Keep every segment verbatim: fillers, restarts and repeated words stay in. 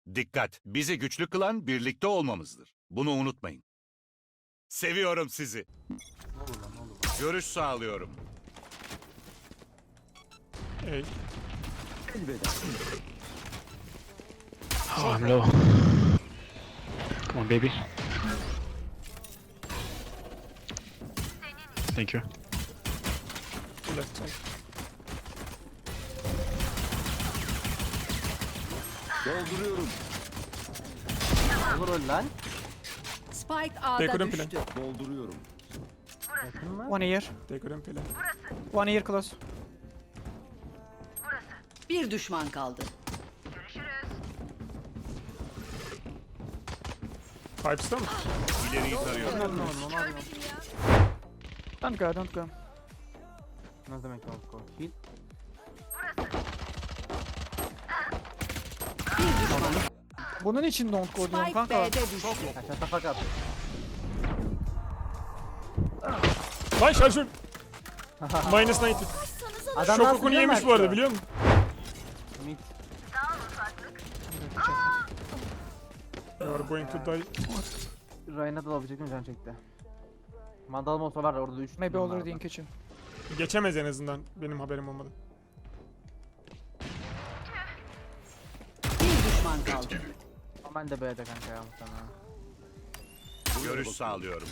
Dikkat! Bizi güçlü kılan birlikte olmamızdır. Bunu unutmayın. Seviyorum sizi. Ne olur lan ne olur. Görüş sağlıyorum. Hey. Elveda. Oh, I'm low. Come on, baby. Thank you. Left side. Dolduruyorum. Olur öyle lan. Spike They A'da couldn't düştü. play. Dolduruyorum. Yakın mı? One here. They couldn't play. One here close. Bir düşman kaldı. Pipes'ta mı? İleriyi tarıyorum. Ne olur ne olur. Don't go, don't go. Ne demek o skor? Heal. Bir düşman. Bunun için don't go diyorum Spike kanka. B'de düştü. Kaçar tapak at. Lan şarjör. Minus doksan. Adam Şok nasıl okunu biliyor yemiş musun? bu arada biliyor musun? Mid. You are going to die. Ryan'a da alabilecektim can çekti. Mandalım olsa var ya orada üç. Maybe already in kitchen. Geçemez en azından benim haberim olmadı. Bir düşman kaldı. Ama ben de B'de kanka ya muhtemelen. Görüş sağlıyorum.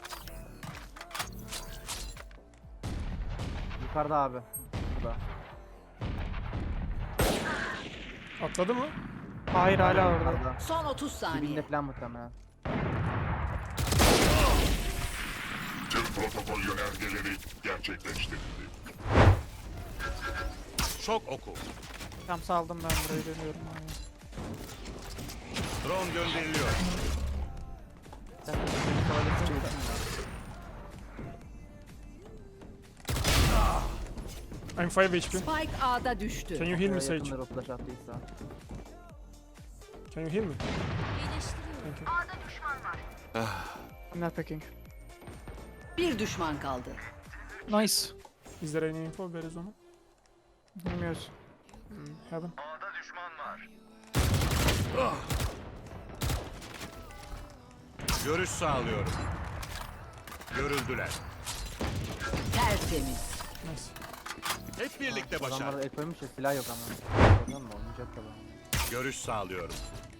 Yukarıda abi. Burada. Atladı mı? Hayır hala orada. Yukarıda. Son otuz saniye. Dibinde falan muhtemelen. Tüm protokol yönergeleri gerçekleştirildi. Şok oku. Tam saldım ben burayı dönüyorum. Abi. Drone gönderiliyor. Sen de bir tuvalete çektin I'm five H P. Spike A'da düştü. Can you heal me Sage? Yakındır o flash attıysa. Can you heal me? Thank you. I'm not picking. Bir düşman kaldı. Nice. Is there any info? Where is Oma? Bilmiyoruz. Hmm, heaven. Görüş sağlıyorum. Görüldüler. Tertemiz. Nice. Hep birlikte Adamlar başar. el koymuş ya silah yok ama. Oradan mı oynayacak da bu. Görüş sağlıyorum.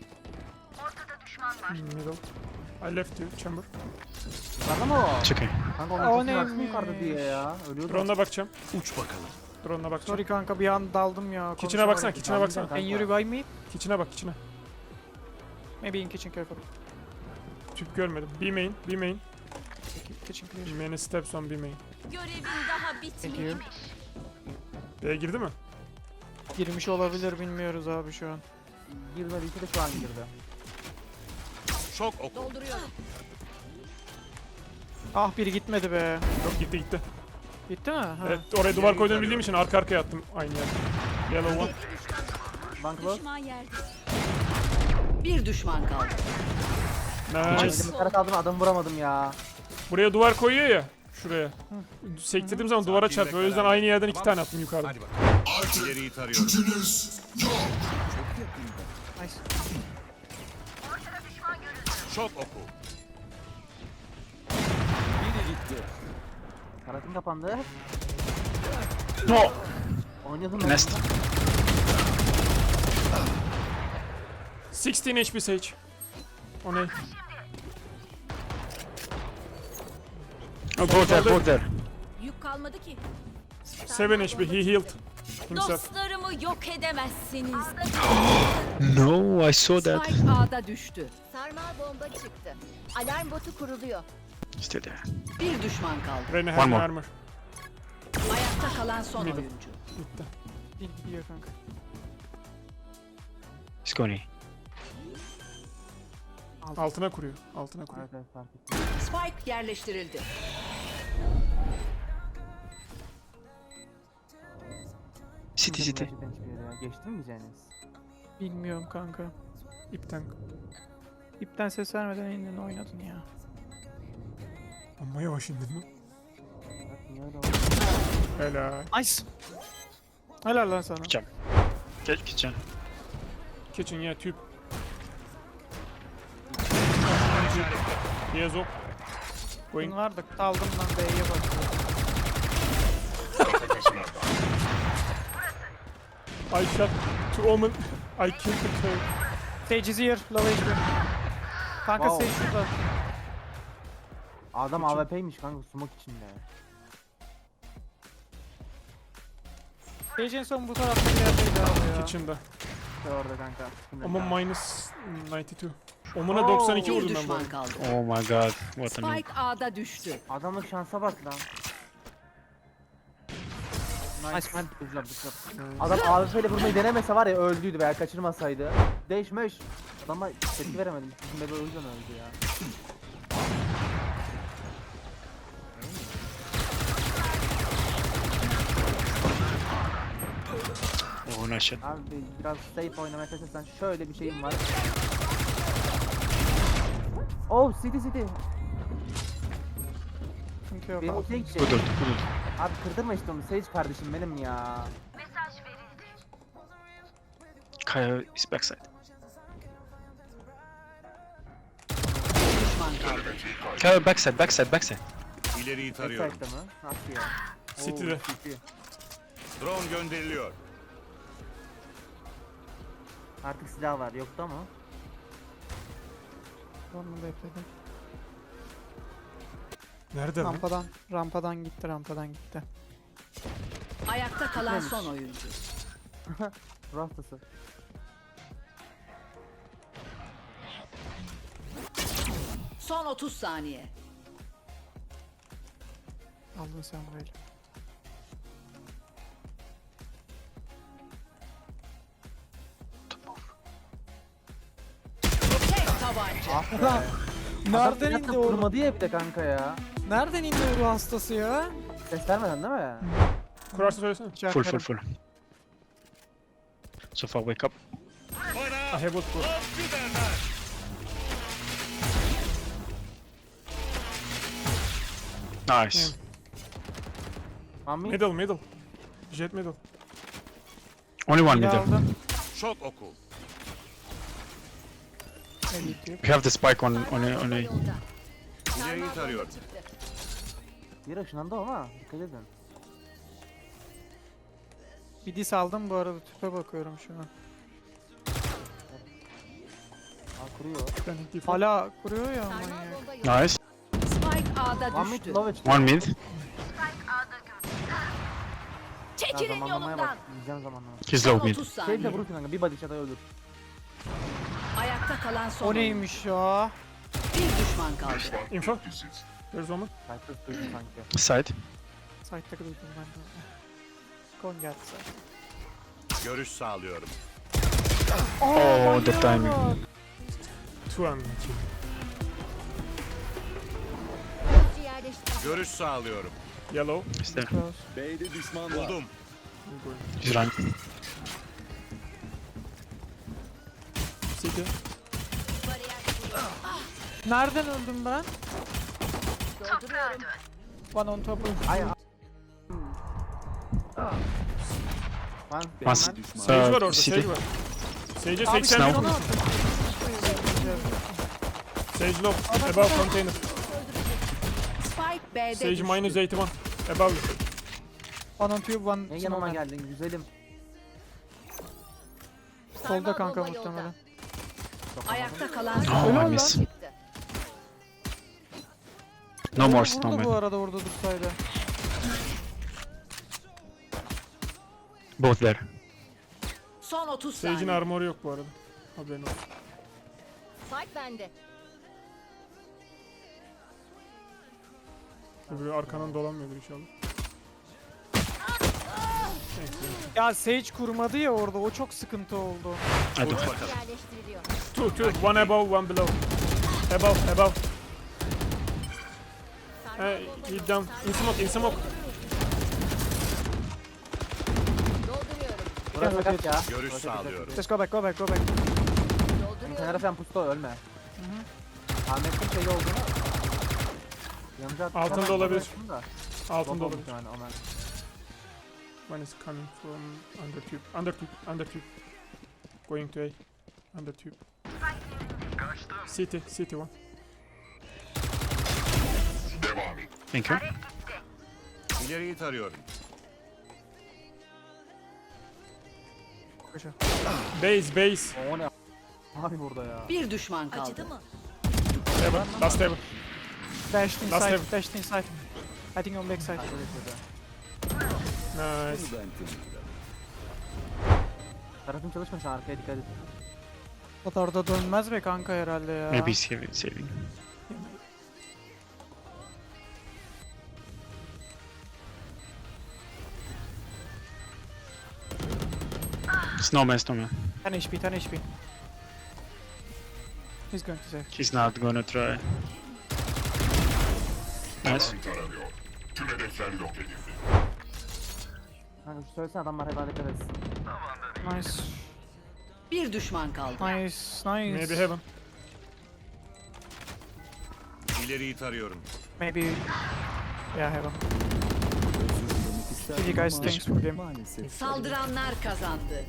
Middle. I left you chamber. Yukarıda mı o? It's okay. Kanka O onun ne sesini baksana mi? yukarıda diye ya. Ölüyordu. Drone'una bakacağım. Uç bakalım. Drone'una bakacağım. Sorry kanka bir an daldım ya. Kitchen'a baksana, konuşamadım. kitchen'a baksana. Can you revive me? Kitchen'a bak, kitchen'a. Maybe in kitchen careful. Tüp görmedim. B main, B main. Kitchen B clear. main'e steps on B main. Görevin daha Thank you. bitmemiş. B'ye girdi mi? Girmiş olabilir bilmiyoruz abi şu an. Girmedi iki de şu an girdi. Şok oku. Dolduruyorum. Ah biri gitmedi be. Yok gitti gitti. Gitti mi? Ha. Evet oraya duvar koyduğunu bildiğim için arka arkaya attım aynı yer. Yellow one. Bank close. Düşman yerde. Bir düşman kaldı. Nice. Elimi kara kaldım adamı vuramadım ya. Buraya duvar koyuyor ya. Şuraya. Sektirdiğim zaman duvara çarpıyor. O yüzden aynı yerden iki tane attım yukarıda. Hadi bakalım. İleriyi tarıyorum. Nice. Şok oku. Karatın kapandı. No! Oynadım ben. Nest. sixteen H P Sage. O ne? Oh, go there, go there. Yük kalmadı ki. seven H P. He healed himself. Dostlarımı yok edemezsiniz. No, I saw that. Spike A'da düştü. Sarmal bomba çıktı. Alarm botu kuruluyor. Still there. Bir düşman kaldı. Rene One have no more. armor. Ayakta kalan son Middle. oyuncu. Gitti. Değil gidiyor kanka. He's going A. Altına kuruyor. Altına kuruyor. Evet evet fark ettim. Spike yerleştirildi. City, city. Gerçekten hiçbir yere ya. Geçtin mi diyeceğiniz? Bilmiyorum kanka. İpten. İpten ses vermeden indin oynadın ya. Amma yavaş indin lan. Bak niye öyle oldu? Helal. Nice. Helal lan sana. Kitchen. Kitchen. Kitchen ya tüp. He has op. Going. Bunlar da aldım lan B'ye bak. Kafasına. I shot to Omen. I killed the turret. Sage is here. Low H P. Kanka Wow. Sage şurada. Adam A W P'ymiş kanka smoke içinde. Sage en son bu tarafta bir yerdeydi abi ya. Kitchen'da. İşte orada kanka. Omen minus doksan iki. Omen'a Oo. doksan iki Bir vurdum ben bu düşman arada. kaldı. Oh my god, what a noob. Spike A'da düştü. Adamın şansa bak lan. Nice man. Good job, good job. Adam A W P ile vurmayı denemese var ya öldüydü veya kaçırmasaydı. Değişmiş. Adama tepki veremedim. Bizim bebe o yüzden öldü ya. Oh, nice shot. Abi biraz safe oynamaya çalışırsan şöyle bir şeyim var. Oh city city. Sıkıntı yok Benim abi. ultiye gidecek. Good ult, good ult. Abi kırdırma işte onu Sage kardeşim benim ya. Kaya is backside. Bir düşman kaldı. Kaya backside, backside, backside. İleriyi tarıyorum. Backside'da mı? Nasıl ya? Oo, City'de. City. Drone gönderiliyor. Artık silah var yoktu ama. Onu bekledim. Nerede lan? Rampadan, rampadan gitti, rampadan gitti. Ayakta kalan son oyuncu. Rastası. Son otuz saniye. Aldın sen böyle. Tek tabanca. Nereden Adam indi o? Vurmadı ya bir de kanka ya. Nereden indi o ruh hastası ya? Ses vermeden değil mi? Kurarsa söylesene. Full, full, full. So far, wake up. I have ult bro. Nice. Mami. Middle middle. Jet middle. Only one Bir middle. aldım. Şok oku. Elite yok. We have the spike on on a, on a. Yolda. İleriyi tarıyorum. Çıktı. Bir ışınlandı ama dikkat edin. Bir dis aldım bu arada tüpe bakıyorum şu an. Aa kuruyor. Ben default. Hala kuruyor ya Sarmal manyak. bomba yolda. Nice. Spike A'da Mami düştü. low edge. One mid. Ya Çekilin zamanlamaya yolumdan. bak. Yiyeceğim zamanlama. He's Son low mid. otuz Şey de saniye. vurursun kanka bir body shot'a ölür. Ayakta kalan son O oyuncu. neymiş ya? Bir düşman kaldı. Info. Where's Omen? Cypress duydum sanki. Side. Site'da duydum ben de. Kon geldi zaten. Görüş sağlıyorum. Oh, the timing. Two and two. Hızlı yerleştir. Görüş sağlıyorum. Yellow. He's there. Close. Buldum. He's running. City. Nereden öldüm ben? Dolduruyorum. One on top of. Ay. a- Lan One. Sage var Uh, orada. city. Sage var. Sage'e Abi seksen Snow. vurdum. Sage low. Above container. Spike B'de Sage düştü. minus eighty one. Above. One on tube, one ne yanıma snowman. geldin güzelim. Solda kanka bomba yolda. muhtemelen. Ayakta kalan son Oh, Helal I lan. miss. Çıktı. No more Vurdu bu snowman. arada orada dursaydı. Both there. Son otuz Sage'in saniye. armoru yok bu arada. Haberin olsun. Spike bende. Öbürü arkandan dolanmıyordur inşallah. Ya Sage kurmadı ya orada o çok sıkıntı oldu. I don't have. Bakalım. Yerleştiriliyor. Two, two. One above, one below. Above, above. Sarmal Hey, bomba he yolda. down. In smoke, in smoke. Dolduruyorum. Burası sakat ya. Görüş Burası sakat. sağlıyorum. Let's go back, go back, go back. Benim Dolduruyorum. kenara falan pusta ölme. Ahmet'in şeyi olduğunu. Yanıcı attı. Altında Hemen olabilir. yaptım da. Altında Bomba olabilir. muhtemelen Ömer. One is coming from under tube. Under tube, under tube. Going to A. Under tube. City, city one. Devam et. Thank you. İleriyi tarıyorum. Koşa. Base base. O ne abi burada ya. Bir düşman kaldı. Acıdı mı? Heaven. Last heaven. Dashed Last inside, heaven. dashed inside. I think on backside. Nice. Tarafım çalışmıyor şu an, arkaya dikkat et. O da orada dönmez be kanka herhalde ya. Maybe saving. saving. Snowman, snowman. ten H P, ten H P. He's going to save. He's not gonna try. Nice. Alan taranıyor. Tüm hedefler yok edildi. Kanka şu söylesene, adamlar hep dikkat etsin. Nice. Bir düşman kaldı. Nice, nice. Maybe heaven. İleriyi tarıyorum. Maybe. Yeah, heaven. G G guys, thanks for the game. Saldıranlar kazandı.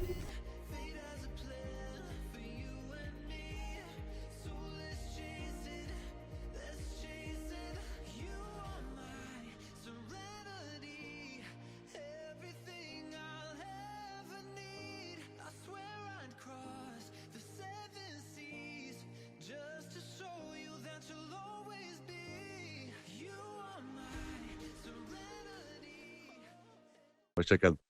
Hoşçakalın.